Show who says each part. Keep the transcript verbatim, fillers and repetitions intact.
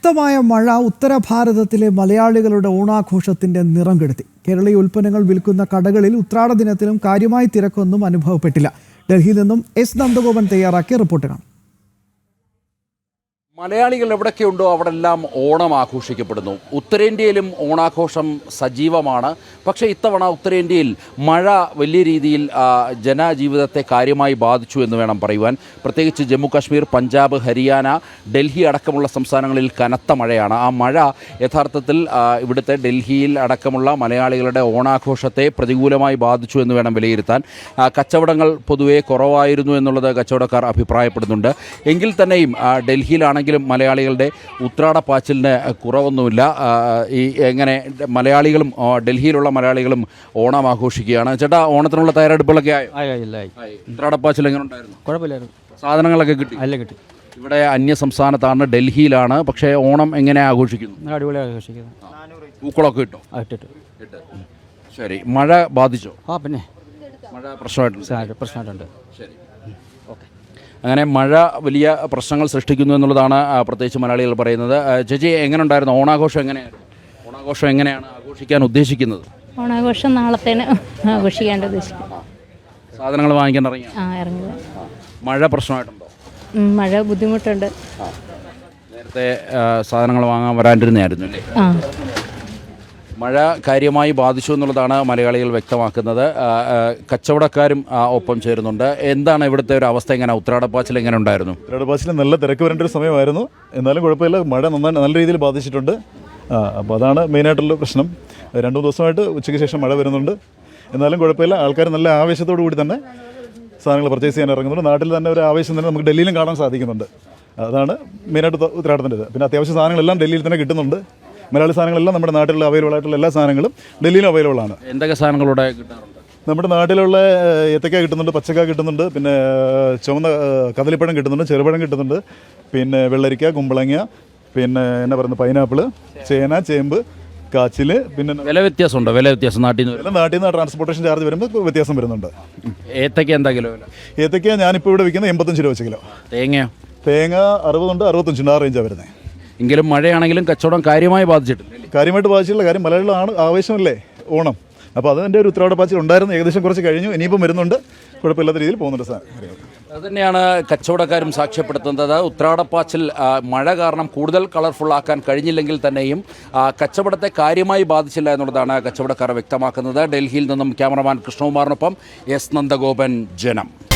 Speaker 1: ശക്തമായ മഴ ഉത്തരഭാരതത്തിലെ മലയാളികളുടെ ഓണാഘോഷത്തിന്റെ നിറം കെടുത്തി. കേരളീയ ഉൽപ്പന്നങ്ങൾ വിൽക്കുന്ന കടകളിൽ ഉത്രാട ദിനത്തിലും കാര്യമായി തിരക്കൊന്നും അനുഭവപ്പെട്ടില്ല. ഡൽഹിയിൽ നിന്നും എസ് നന്ദഗോപൻ തയ്യാറാക്കിയ റിപ്പോർട്ട് കാണാം.
Speaker 2: മലയാളികൾ എവിടെയൊക്കെയുണ്ടോ അവിടെല്ലാം ഓണം ആഘോഷിക്കപ്പെടുന്നു. ഉത്തരേന്ത്യയിലും ഓണാഘോഷം സജീവമാണ്. പക്ഷേ ഇത്തവണ ഉത്തരേന്ത്യയിൽ മഴ വലിയ രീതിയിൽ ജനജീവിതത്തെ കാര്യമായി ബാധിച്ചു എന്ന് വേണം പറയുവാൻ. പ്രത്യേകിച്ച് ജമ്മു കാശ്മീർ, പഞ്ചാബ്, ഹരിയാന, ഡൽഹി അടക്കമുള്ള സംസ്ഥാനങ്ങളിൽ കനത്ത മഴയാണ്. ആ മഴ യഥാർത്ഥത്തിൽ ഇവിടുത്തെ ഡൽഹിയിൽ അടക്കമുള്ള മലയാളികളുടെ ഓണാഘോഷത്തെ പ്രതികൂലമായി ബാധിച്ചു എന്ന് വേണം വിലയിരുത്താൻ. കച്ചവടങ്ങൾ പൊതുവെ കുറവായിരുന്നു എന്നുള്ളത് കച്ചവടക്കാർ അഭിപ്രായപ്പെടുന്നുണ്ട്. എങ്കിൽ തന്നെയും ഡൽഹിയിലാണെങ്കിൽ മലയാളികളുടെ ഉത്രാടപ്പാച്ചിലിന് കുറവൊന്നുമില്ല. ഈ എങ്ങനെ മലയാളികളും ഡൽഹിയിലുള്ള മലയാളികളും ഓണം ആഘോഷിക്കുകയാണ്. ചേട്ടാ, ഓണത്തിനുള്ള തയ്യാറെടുപ്പുകളൊക്കെ ആയോ? ഉത്രാടപ്പാച്ചിൽ എങ്ങനെ ഉണ്ടായിരുന്നു?
Speaker 3: കുഴപ്പമില്ലായിരുന്നു.
Speaker 2: സാധനങ്ങളൊക്കെ കിട്ടി?
Speaker 3: അല്ല, കിട്ടി.
Speaker 2: ഇവിടെ അന്യ സംസ്ഥാനത്താണ്, ഡൽഹിയിലാണ്. പക്ഷേ ഓണം എങ്ങനെ ആഘോഷിക്കുന്നു?
Speaker 3: അടിപൊളി ആഘോഷിക്കുന്നു.
Speaker 2: പൂക്കളൊക്കെ കിട്ടും?
Speaker 3: ഇട്ടിട്ട്.
Speaker 2: ശരി. മഴ ബാധിച്ചോ?
Speaker 3: ആ, പിന്നെ
Speaker 2: മഴ പ്രശ്നമായിട്ടുണ്ട്.
Speaker 3: പ്രശ്നമായിട്ടുണ്ട്.
Speaker 2: ശരി, ഓക്കെ. അങ്ങനെ മഴ വലിയ പ്രശ്നങ്ങൾ സൃഷ്ടിക്കുന്നു എന്നുള്ളതാണ് പ്രത്യേകിച്ച് മലയാളികൾ പറയുന്നത്. ചേച്ചി, എങ്ങനെ ഉണ്ടായിരുന്നു ഓണാഘോഷം? എങ്ങനെയായിരുന്നു ഓണാഘോഷം? എങ്ങനെയാണ് ആഘോഷിക്കാൻ ഉദ്ദേശിക്കുന്നത്?
Speaker 4: ഓണാഘോഷം നാളത്തേന് ആഘോഷിക്കാൻ ഉദ്ദേശിക്കുന്നു.
Speaker 2: സാധനങ്ങൾ വാങ്ങിക്കാൻ ഇറങ്ങി?
Speaker 4: ആ, ഇറങ്ങുക.
Speaker 2: മഴ പ്രശ്നമായിട്ടുണ്ടോ?
Speaker 4: മഴ ബുദ്ധിമുട്ടുണ്ട്.
Speaker 2: നേരത്തെ സാധനങ്ങൾ വാങ്ങാൻ വരാണ്ടിരുന്നായിരുന്നു അല്ലേ?
Speaker 4: ആ.
Speaker 2: മഴ കാര്യമായി ബാധിച്ചു എന്നുള്ളതാണ് മലയാളികൾ വ്യക്തമാക്കുന്നത്. കച്ചവടക്കാരും ഒപ്പം ചേരുന്നുണ്ട്. എന്താണ് ഇവിടുത്തെ ഒരു അവസ്ഥ? എങ്ങനെ ഉത്രാടപ്പാച്ചിൽ എങ്ങനെ ഉണ്ടായിരുന്നു?
Speaker 5: ഉത്രാടപ്പാച്ചിൽ നല്ല തിരക്ക് വരേണ്ട ഒരു സമയമായിരുന്നു. എന്നാലും കുഴപ്പമില്ല, മഴ നന്നായി നല്ല രീതിയിൽ ബാധിച്ചിട്ടുണ്ട്. അപ്പോൾ അതാണ് മെയിനായിട്ടുള്ള പ്രശ്നം. രണ്ട് മൂന്ന് ദിവസമായിട്ട് ഉച്ചയ്ക്ക് ശേഷം മഴ വരുന്നുണ്ട്. എന്നാലും കുഴപ്പമില്ല, ആൾക്കാർ നല്ല ആവേശത്തോടു കൂടി തന്നെ സാധനങ്ങൾ പർച്ചേസ് ചെയ്യാൻ ഇറങ്ങുന്നുണ്ട്. നാട്ടിൽ തന്നെ ഒരു ആവേശം തന്നെ നമുക്ക് ഡൽഹിയിലും കാണാൻ സാധിക്കുന്നുണ്ട്. അതാണ് മെയിനായിട്ട് ഉത്രാടത്തിൻ്റെ ഇത്. പിന്നെ അത്യാവശ്യ സാധനങ്ങളെല്ലാം ഡൽഹിയിൽ തന്നെ കിട്ടുന്നുണ്ട്. മലയാളി സാധനങ്ങളെല്ലാം നമ്മുടെ നാട്ടിലുള്ള അവൈലബിൾ ആയിട്ടുള്ള എല്ലാ സാധനങ്ങളും ഡൽഹിയിലും അവൈലബിൾ ആണ്.
Speaker 2: എന്തൊക്കെ സാധനങ്ങളൂടെ കിട്ടാറുണ്ട്?
Speaker 5: നമ്മുടെ നാട്ടിലുള്ള ഏത്തക്ക കിട്ടുന്നുണ്ട്, പച്ചക്ക കിട്ടുന്നുണ്ട്, പിന്നെ ചുവന്ന കദളിപ്പഴം കിട്ടുന്നുണ്ട്, ചെറുപഴം കിട്ടുന്നുണ്ട്, പിന്നെ വെള്ളരിക്ക, കുമ്പളങ്ങ, പിന്നെ എന്നാ പറയുന്നത് പൈനാപ്പിൾ, ചേന, ചേമ്പ്, കാച്ചിൽ. പിന്നെ
Speaker 2: വില വ്യത്യാസമുണ്ടോ? വില വ്യത്യാസം നാട്ടിൽ നിന്ന്
Speaker 5: എല്ലാം നാട്ടിൽ നിന്ന് ട്രാൻസ്പോർട്ടേഷൻ ചാർജ് വരുമ്പോൾ വ്യത്യാസം വരുന്നുണ്ട്.
Speaker 2: ഏത്തക്ക എന്താ കിലോ വില?
Speaker 5: ഏത്തക്ക ഞാനിപ്പോൾ ഇവിടെ വിൽക്കുന്നത് എൺപത്തഞ്ച് രൂപ വെച്ച് കിലോ.
Speaker 2: തേങ്ങയോ?
Speaker 5: തേങ്ങ അറുപതുണ്ട്, അറുപത്തഞ്ചുണ്ട്. ആ റേഞ്ചാണ് വരുന്നത്.
Speaker 2: എങ്കിലും മഴയാണെങ്കിലും കച്ചവടം കാര്യമായി ബാധിച്ചിട്ടില്ല.
Speaker 5: കാര്യമായിട്ട് ബാധിച്ചിട്ടുള്ള കാര്യം മലയാളികളാണ് ആവേശമല്ലേ ഓണം. അപ്പോൾ അതിൻ്റെ ഒരു ഉത്രാടപ്പാച്ചിൽ ഉണ്ടായിരുന്നു. ഏകദേശം കുറച്ച് കഴിഞ്ഞു, ഇനിയിപ്പം വരുന്നുണ്ട്. കുഴപ്പമില്ലാത്ത രീതിയിൽ പോകുന്നുണ്ട് സാധനം.
Speaker 2: അതുതന്നെയാണ് കച്ചവടക്കാരും സാക്ഷ്യപ്പെടുത്തുന്നത്. ഉത്രാടപ്പാച്ചിൽ മഴ കാരണം കൂടുതൽ കളർഫുൾ ആക്കാൻ കഴിഞ്ഞില്ലെങ്കിൽ തന്നെയും കച്ചവടത്തെ കാര്യമായി ബാധിച്ചില്ല എന്നുള്ളതാണ് കച്ചവടക്കാർ വ്യക്തമാക്കുന്നത്. ഡൽഹിയിൽ നിന്നും ക്യാമറമാൻ കൃഷ്ണകുമാറിനൊപ്പം എസ് നന്ദഗോപൻ, ജനം.